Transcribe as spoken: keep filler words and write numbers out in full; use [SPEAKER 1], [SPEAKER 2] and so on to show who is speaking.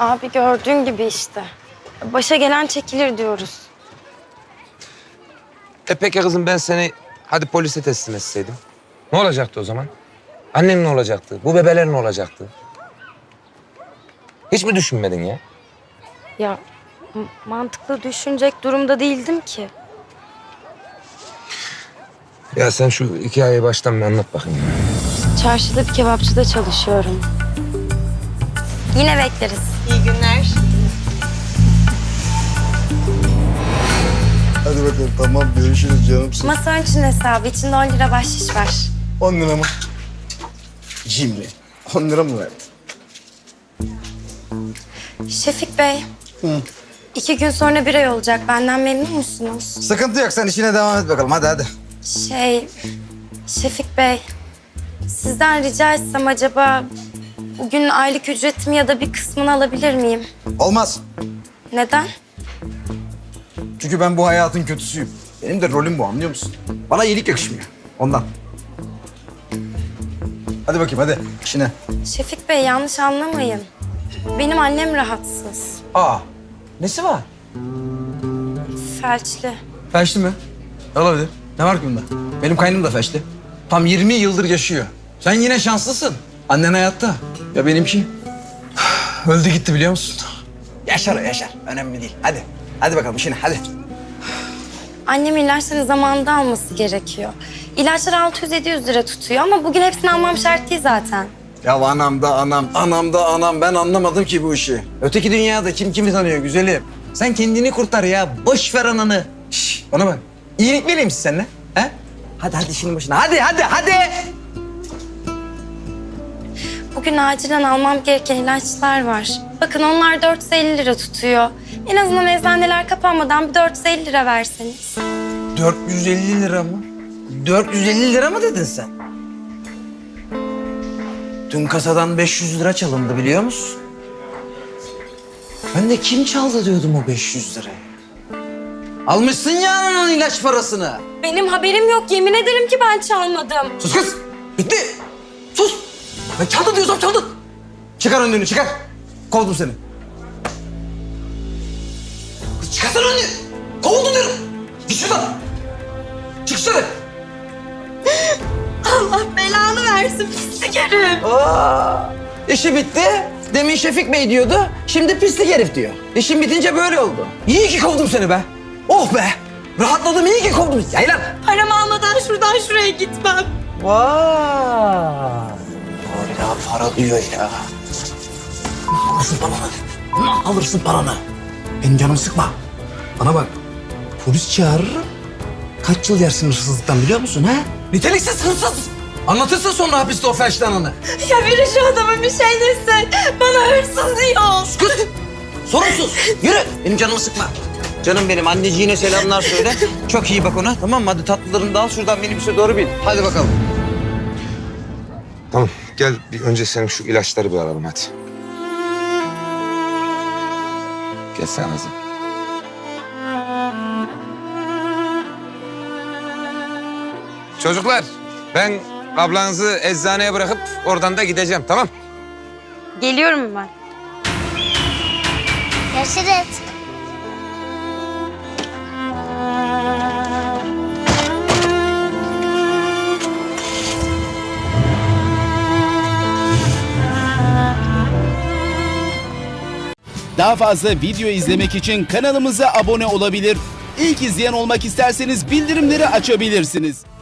[SPEAKER 1] Abi gördüğün gibi işte. Başa gelen çekilir diyoruz.
[SPEAKER 2] E peki kızım ben seni hadi polise teslim etseydim. Ne olacaktı o zaman? Annem ne olacaktı? Bu bebeler ne olacaktı? Hiç mi düşünmedin ya?
[SPEAKER 1] Ya m- mantıklı düşünecek durumda değildim ki.
[SPEAKER 2] Ya sen şu hikayeyi baştan bir anlat bakayım.
[SPEAKER 1] Çarşıda bir kebapçıda çalışıyorum. Yine bekleriz.
[SPEAKER 3] İyi günler.
[SPEAKER 4] Hadi bakalım tamam görüşürüz canımsın.
[SPEAKER 1] Masa için hesabı. İçinde on lira bahşiş var.
[SPEAKER 4] On lira mı? Cimri. On lira mı verdin?
[SPEAKER 1] Şefik Bey.
[SPEAKER 4] Hı.
[SPEAKER 1] İki gün sonra bir ay olacak. Benden memnun musunuz?
[SPEAKER 4] Sıkıntı yok sen işine devam et bakalım hadi hadi.
[SPEAKER 1] Şey, Şefik Bey, sizden rica etsem acaba bugün aylık ücretimi ya da bir kısmını alabilir miyim?
[SPEAKER 4] Olmaz.
[SPEAKER 1] Neden?
[SPEAKER 4] Çünkü ben bu hayatın kötüsüyüm. Benim de rolüm bu anlıyor musun? Bana iyilik yakışmıyor ondan. Hadi bakayım hadi işine.
[SPEAKER 1] Şefik Bey yanlış anlamayın. Benim annem rahatsız,
[SPEAKER 4] Aa nesi var?
[SPEAKER 1] felçli.
[SPEAKER 4] Felçli mi? Olabilir. Ne var ki bunda? Benim kaynım da felçli. Tam yirmi yıldır yaşıyor. Sen yine şanslısın. Annen hayatta. Ya benimki? Öldü gitti biliyor musun? Yaşar o yaşar. Önemli değil. Hadi. Hadi bakalım işine hadi.
[SPEAKER 1] Annem ilaçları zamanında alması gerekiyor. İlaçlar altı yüz yedi yüz lira tutuyor ama bugün hepsini almam şart değil zaten.
[SPEAKER 4] Ya anam da anam, anam da anam. Ben anlamadım ki bu işi. Öteki dünyada kim kimi tanıyor güzelim. Sen kendini kurtar ya. Boş ver ananı. Şş, bana bak. İyilik vereyim misin seninle? He? Hadi hadi işinin başına. Hadi hadi hadi.
[SPEAKER 1] Bugün acilen almam gereken ilaçlar var. Bakın onlar dört yüz elli lira tutuyor. En azından eczaneler kapanmadan bir dört yüz elli lira verseniz.
[SPEAKER 4] dört yüz elli lira mı? dört yüz elli lira mı dedin sen? Dün kasadan beş yüz lira çalındı biliyor musun? Ben de kim çaldı diyordum o beş yüz lirayı. Almışsın ya ananın ilaç parasını.
[SPEAKER 1] Benim haberim yok. Yemin ederim ki ben çalmadım.
[SPEAKER 4] Sus kız. Bitti. Sus. Ben çaldın diyorsam çaldın. Çıkar önlüğünü çıkar. Kovdum seni. Kız çıkarsana önlüğü. Kovuldun diyorum. Git şuradan. Çıksana.
[SPEAKER 3] Allah belanı versin pislik herif.
[SPEAKER 4] Aa, işi bitti. Demin Şefik Bey diyordu. Şimdi pislik herif diyor. İşin bitince böyle oldu. İyi ki kovdum seni be. Oh be. Rahatladım iyi ki kovdum. Yay lan.
[SPEAKER 3] Paramı almadan şuradan şuraya gitmem.
[SPEAKER 4] Vay. Hala para diyor ya. Ne alırsın paranı? Ne alırsın paranı? Benim canımı sıkma. Bana bak. Polis çağırırım. Kaç yıl yersin hırsızlıktan biliyor musun ha? Niteliksiz hırsız. Anlatırsın sonra hapiste o felçli ananı.
[SPEAKER 3] Ya biri şu adama bir şey dese bana hırsız diyor.
[SPEAKER 4] Kız. Sorumsuz. Yürü. Benim canımı sıkma. Canım benim anneciğine selamlar söyle. Çok iyi bak ona tamam mı? Hadi tatlılarını da al şuradan minibüse doğru bin. Hadi bakalım.
[SPEAKER 2] Tamam gel bir önce senin şu ilaçları bir alalım hadi. Gel sen kızım. Çocuklar ben ablanızı eczaneye bırakıp oradan da gideceğim tamam?
[SPEAKER 1] Geliyorum ben.
[SPEAKER 5] Görüşürüz.
[SPEAKER 6] Daha fazla video izlemek için kanalımıza abone olabilir. İlk izleyen olmak isterseniz bildirimleri açabilirsiniz.